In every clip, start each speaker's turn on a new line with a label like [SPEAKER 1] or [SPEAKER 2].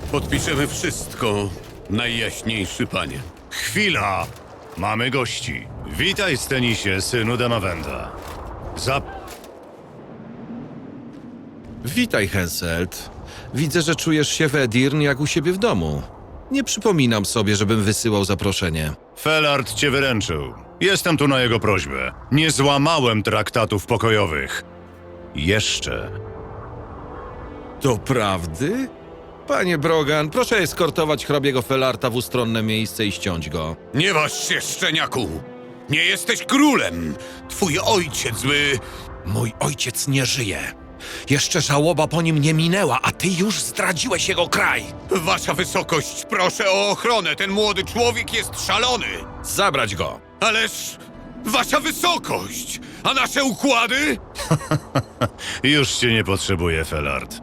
[SPEAKER 1] Podpiszemy wszystko, najjaśniejszy panie.
[SPEAKER 2] Chwila! Mamy gości. Witaj, Stenisie, synu Demawenda.
[SPEAKER 3] Witaj, Henselt. Widzę, że czujesz się w Edirn jak u siebie w domu. Nie przypominam sobie, żebym wysyłał zaproszenie.
[SPEAKER 2] Felard cię wyręczył. Jestem tu na jego prośbę. Nie złamałem traktatów pokojowych. Jeszcze.
[SPEAKER 3] Doprawdy? Panie Brogan, proszę eskortować hrabiego Felarta w ustronne miejsce i ściąć go.
[SPEAKER 1] Nie waż się, szczeniaku! Nie jesteś królem! Twój ojciec by...
[SPEAKER 3] Mój ojciec nie żyje. Jeszcze żałoba po nim nie minęła, a ty już zdradziłeś jego kraj.
[SPEAKER 1] Wasza wysokość, proszę o ochronę! Ten młody człowiek jest szalony!
[SPEAKER 3] Zabrać go.
[SPEAKER 1] Ależ... Wasza wysokość! A nasze układy?
[SPEAKER 2] Już cię nie potrzebuję, Felard.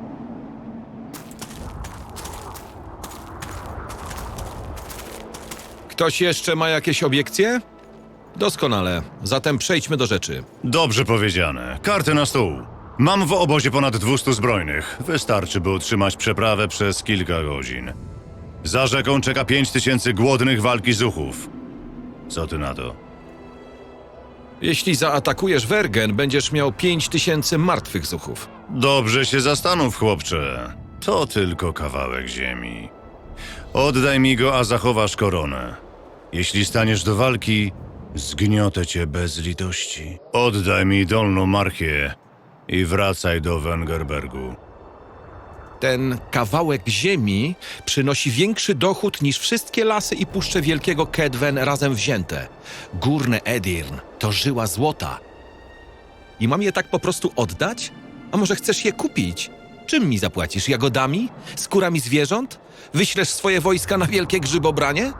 [SPEAKER 3] Ktoś jeszcze ma jakieś obiekcje? Doskonale. Zatem przejdźmy do rzeczy.
[SPEAKER 2] Dobrze powiedziane. Karty na stół. Mam w obozie ponad 200 zbrojnych. Wystarczy, by utrzymać przeprawę przez kilka godzin. Za rzeką czeka 5000 głodnych walki zuchów. Co ty na to?
[SPEAKER 3] Jeśli zaatakujesz Wergen, będziesz miał 5000 martwych zuchów.
[SPEAKER 2] Dobrze się zastanów, chłopcze. To tylko kawałek ziemi. Oddaj mi go, a zachowasz koronę. Jeśli staniesz do walki, zgniotę cię bez litości. Oddaj mi Dolną Marchię i wracaj do Wengerbergu.
[SPEAKER 3] Ten kawałek ziemi przynosi większy dochód niż wszystkie lasy i puszcze Wielkiego Kedwen razem wzięte. Górne Edirn to żyła złota. I mam je tak po prostu oddać? A może chcesz je kupić? Czym mi zapłacisz? Jagodami? Skórami zwierząt? Wyślesz swoje wojska na wielkie grzybobranie?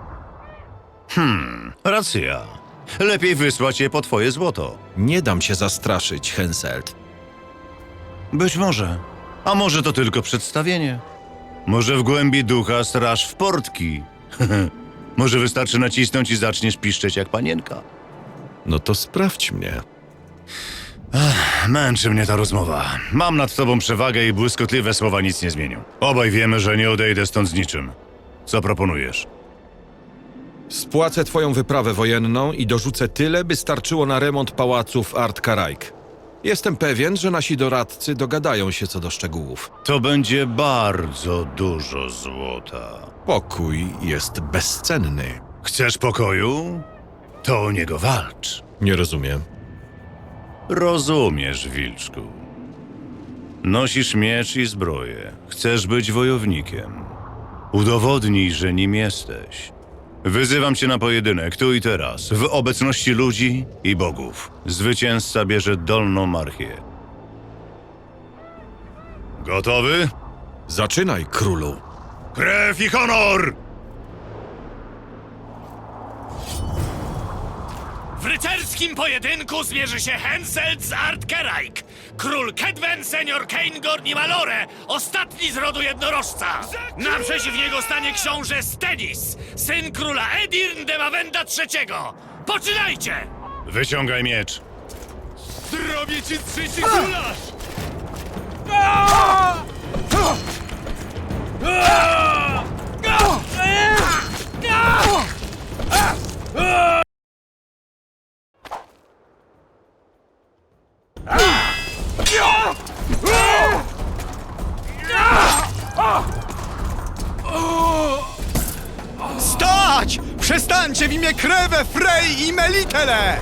[SPEAKER 2] Racja. Lepiej wysłać je po twoje złoto.
[SPEAKER 3] Nie dam się zastraszyć, Henselt.
[SPEAKER 2] Być może. A może to tylko przedstawienie? Może w głębi ducha straż w portki? Może wystarczy nacisnąć i zaczniesz piszczeć jak panienka?
[SPEAKER 3] No to sprawdź mnie.
[SPEAKER 2] Męczy mnie ta rozmowa. Mam nad tobą przewagę i błyskotliwe słowa nic nie zmienią. Obaj wiemy, że nie odejdę stąd z niczym. Co proponujesz?
[SPEAKER 3] Spłacę twoją wyprawę wojenną i dorzucę tyle, by starczyło na remont pałacu w Art-Karaik. Jestem pewien, że nasi doradcy dogadają się co do szczegółów.
[SPEAKER 2] To będzie bardzo dużo złota.
[SPEAKER 3] Pokój jest bezcenny.
[SPEAKER 2] Chcesz pokoju? To o niego walcz.
[SPEAKER 3] Nie rozumiem.
[SPEAKER 2] Rozumiesz, Wilczku. Nosisz miecz i zbroję. Chcesz być wojownikiem. Udowodnij, że nim jesteś. Wyzywam cię na pojedynek, tu i teraz, w obecności ludzi i bogów. Zwycięzca bierze Dolną Marchię. Gotowy?
[SPEAKER 3] Zaczynaj, królu.
[SPEAKER 2] Krew i honor!
[SPEAKER 4] W rycerskim pojedynku zmierzy się Henselt z Art-Karaik. Król Kedwen, senior Keingorn i Malore, ostatni z rodu jednorożca. Naprzeciw niego stanie książę Stenis, syn króla Edirn Demawenda III. Poczynajcie!
[SPEAKER 2] Wyciągaj miecz.
[SPEAKER 4] Zrobię ci trzeci królarz!
[SPEAKER 5] Stać! Przestańcie w imię Krewę, Frej i Melitele!